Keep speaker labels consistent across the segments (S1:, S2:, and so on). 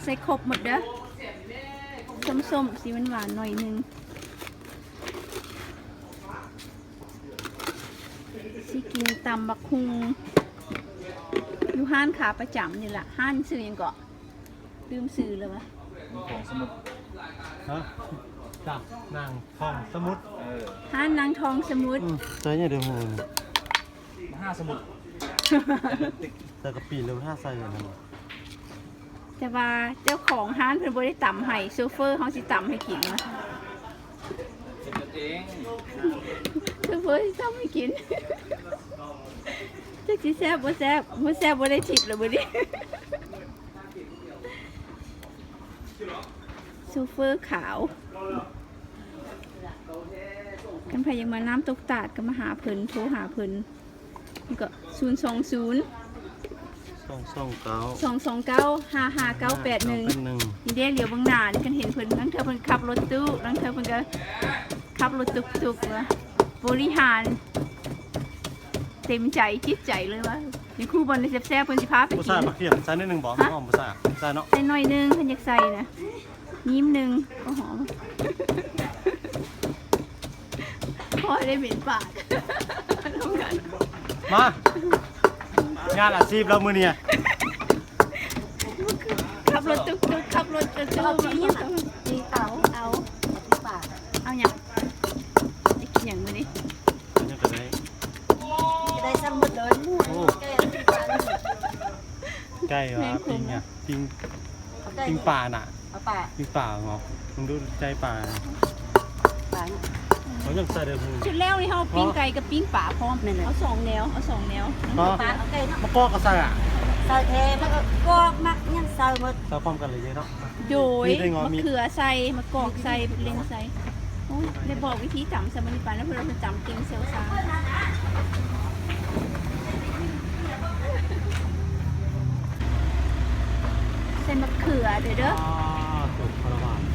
S1: ใส่ครบหมดเด้อส้มๆสีหวานๆหน่อยนึงสิกินตำบักฮุงอยู่ห้านขาประจำนี่แหละห้านซื้อยังเกาะลืมซื้อเลยวะ
S2: ของสมุด
S3: ฮะจ้ะนางทองสมุด
S1: ห้านนางทองสมุด
S3: ใช่เนี่ยเดี๋ยวมึง
S2: 5 สมุด
S3: แต่กะปิเลย5 ใส่เลยนะ
S1: แต่ว่าเจ้าของห้านเพิ่นบ่ได้ตำให้โซเฟอร์เขาสิตำให้กินวะ
S2: เอง
S1: โซเฟอร์สิตำให้กินจักสิแซ่บบ่แซ่บบ่ได้ทิปเลยบ่ดิโซเฟอร์ขาวกันพยังมาน้ำตกตาดก็มาหาเพิ่นโทรหาเพิ่นนี่ก็2295591นี่เด้เหลียวบางหน้านี่กันเห็นเพิ่นนั่งเธอเพิ่นขับรถตู้นั่งเธอเพิ่นก็ขับรถตุกๆว่าบริหารเต็มใจจิตใจเลยว่านี่คู่บอลในแซ่บๆเพิ่นสิพาไปกิน
S3: บ่ซ่าบักเขียมใส่นิดนึงบ่หอมบ่ซ่าใส่เนาะ
S1: ใส่หน่อยนึงเพิ่นอยากใส่นะยิ้มนึงก็หอมพอได้เหม็นปาก
S3: มางานอาชีพเรามื้อนี้
S1: ขับรถตุกๆขับรถตุกๆนี่เอาปากเอาหยังได้กินหยังมื้อนี้
S3: ยังก็ได้
S4: จะได้ซ้ำหมดเลย
S3: ไก่วะปิ้งปลาน่ะปิ้งปลาเหรอมึงดูใจปลาเขายังใส่เดี๋ยว
S1: ชุดแล้วนี่เฮาปิ้งไก่กับปิ้งปลาพร้อมเอา2 แนว
S4: ปลาเอาไก่เนาะ
S3: มะกอกก็ใส่
S4: ใส่เทมันก็มักยังใส่หมด
S3: ใส่พร้อมกันเลยเนาะ
S1: โดยมะเขือใส่มะกอกใส่เล็งใส่โอ้ยได้บอกวิธีจำสมัยปานแล้วเพื่อนเราจำเก่งเซลซ่าใส่มะเขือเด้อ
S3: สุดพลวาน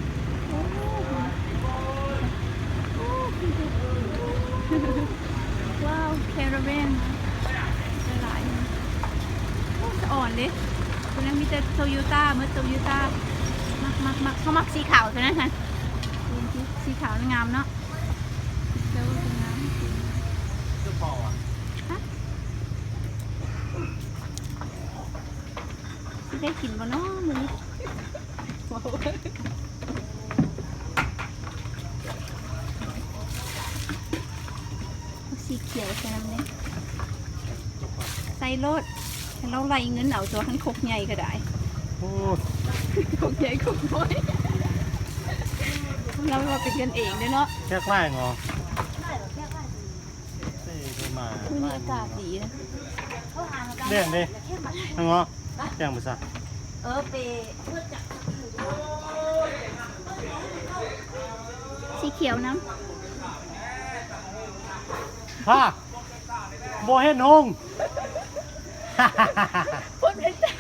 S1: ว้าวแคราเบนหลายอ่อนดิตัวนั้นมีแต่โตโยต้าเมื่อโตโยต้ามักเขามักสีขาวตัวนั้นฮะสีขาวงามเนาะเจ้างาม
S3: จะพออ่ะ
S1: ได้กินบ่เนาะมื้อนี้สีเขียวใส่น้ำเนี่ยใส่รถเราไล่เงินเอาตัวทั้งคกใหญ่ก็ได้คกใหญ่คกน้อยเราว่าเป็นกันเองเนาะ
S3: แค่ไล่งอ
S1: วันนี้อากาศดีนะ
S3: เด่นดิงอแจ้งภาษา
S4: ไป
S1: สีเขียวน้ำ
S3: พ่อโบเห็นหง
S1: พูดไม่ได้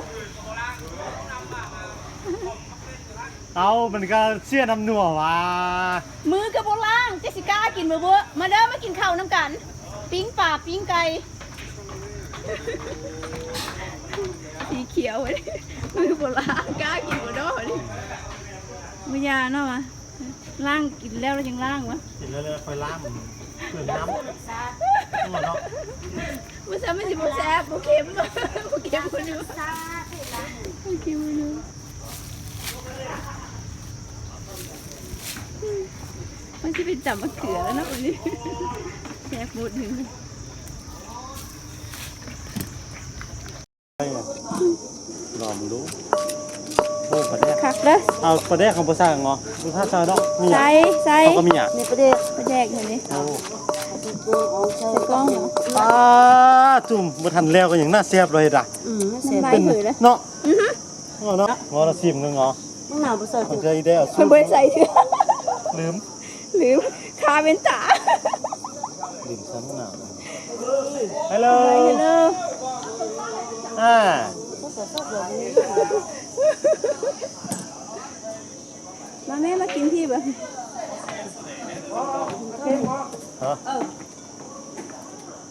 S3: เอามันก็เสียน้ำหนัวว่ะ
S1: มือกับโบล่างเจสิก้ากินมือบัวมาเด้อมากินข้าวน้ำกันปิ้งปลาปิ้งไก่สีเขียวเลยมือโบล่างกล้ากินมือด้อเลยมือยาเนาะวะล่างกินแล้วยังล่างวะ
S3: กินแล้วเลยค่อยล่างเปลือกน้ำเนาะ
S1: มันจะไม่สิบแซ่บโอเคมโอเคมคนดูโอเคคนดูมันจะเป็นจับมะเขือแล้วนะวันนี้แซ่บบูดหนึ่ง
S3: ลองดูโอ้ปลาแดก
S1: คักเด้อ
S3: เอาปลาแดกของภาษาเงาะดูท่าซาดอกมี
S1: ใส่
S3: เขาก็มีอ่ะ
S4: นี่ประเดี๋ยว
S1: ปลาแดกเห็นไหม
S3: โอ้
S1: ใส่กล้องเหรอ
S3: จุ่มมาทันแล้วก็อย่างน่าเสียบเลยด่ะ
S1: เสียบเลย
S3: เนาะเนาะงอละซิมนึงเหรอ
S4: มึงหนาวบ่ใส่
S3: มันจะได้เอา
S1: มันไม่ใส่เสื้อลืมคาเป็นตา
S3: ลืมซ้ำหนาวฮัลโหล
S1: มาแม่มากินที่แบบ
S3: ฮะ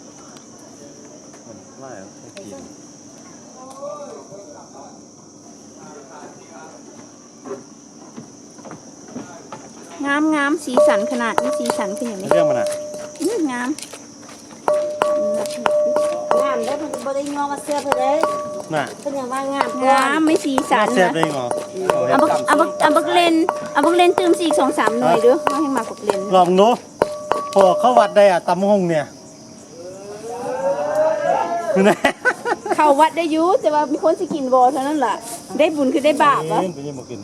S3: ไม่กิน
S1: งามสีสันขนาดนี้สีสันเป็นอย่างนี้
S3: เรื่องมันอ่ะ
S1: งาม
S4: งามได้มันบ่ได้งอมาเสื้อเพิ่นเด้
S3: น่ะ
S4: เพิ่นยังว่างาม
S1: งามไม่สีสัน
S3: แซ่บ
S1: นะ
S3: ได้งอ
S1: เอาบักเลนตื่มสีอีก2-3หน่วยเด้อเอาให้มาบักเลน
S3: ลองดูพอเข้าวัดได้อ่ะตำหงเนี่ยนะ
S1: เข้าวัดได้อยู่แต่ว่ามีคนสิกินบ่เท่านั้นล่ะได้บุญคือได้บาปวะ
S3: เป็นยังบ่กิน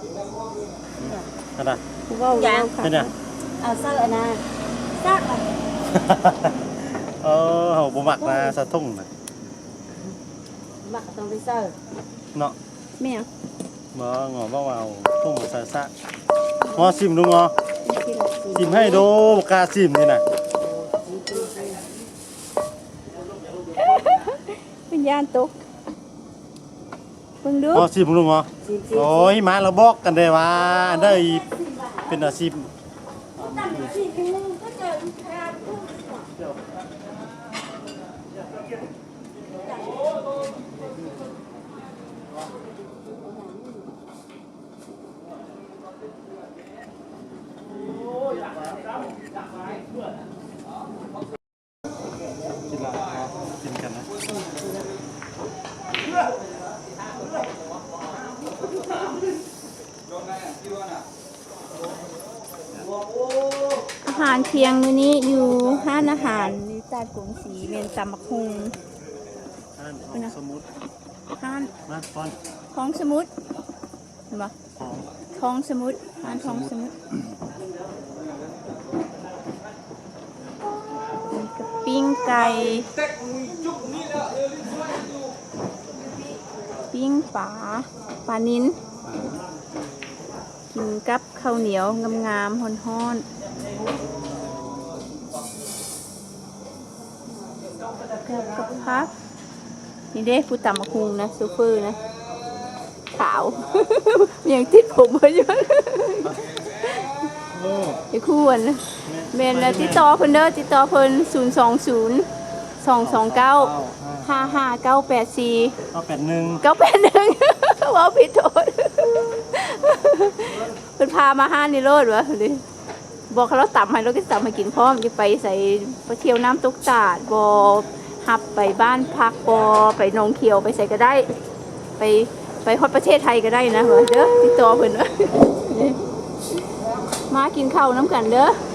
S3: นั่นน่ะ
S1: เว้าค่ะ
S3: เป็นยัง
S4: เอาเสื้ออันน่ะซักอ่ะ
S3: เออเฮาบ่มักนะสะทุ่งน่ะ
S4: มักต้องไปเสื้อ
S3: เนาะ
S1: แม่ง
S3: บ่งอบ่ว่าเอาทุ่งมาใส่ซะงอซิมดูงอ
S1: กินละสิ
S3: ซิมให้ดูบ่กล้าซิมนี่น่ะ
S1: เป็นย่านตกเบิ่งดู
S3: งอซิมดูงอโอ้ยมาเราบอกกันได้ว่าอันใดเป็นอาชีพ กินกันนะ
S1: อาหารเที่ยงมื้อนี้อยู่ห้านอาหารนิตาดกรุงศรีเมนตำบักฮุง
S3: สมุด
S1: ห้าน
S3: มาก่อน
S1: ท้องสมุทรเห็นปะ
S3: ของ
S1: ท้องสมุทรห้านท้องสมุทรกับปิ้งไก่ปิ้งปลานิ้นกินกับข้าวเหนียวงามๆฮ้อนๆกับพักนี่เด้ผู้ตำมะคุงนะซูเปอร์นะขาว ยังติดผมมาอยู่
S3: โอ้
S1: ไอ้คู่นะเมนแล้วติดต่อเพิ่นเด้อติดต่อเพิ่น020 229 55984
S3: เอา81
S1: 981 ว้าวผิดโทษ เพิ่นพามาห้านนี่โลดวะดิบอกเขาเราต่ำให้เราก็ต่ำให้กินพร้อมจะไปใส่ไปเที่ยวน้ำตกตาดบ่หับไปบ้านพักบ่ไปหนองเขียวไปใส่ก็ได้ ไปฮอดประเทศไทยก็ได้นะเด้อติดต่อเพิ่นเด้อมากินข้าวน้ำกันเด้อ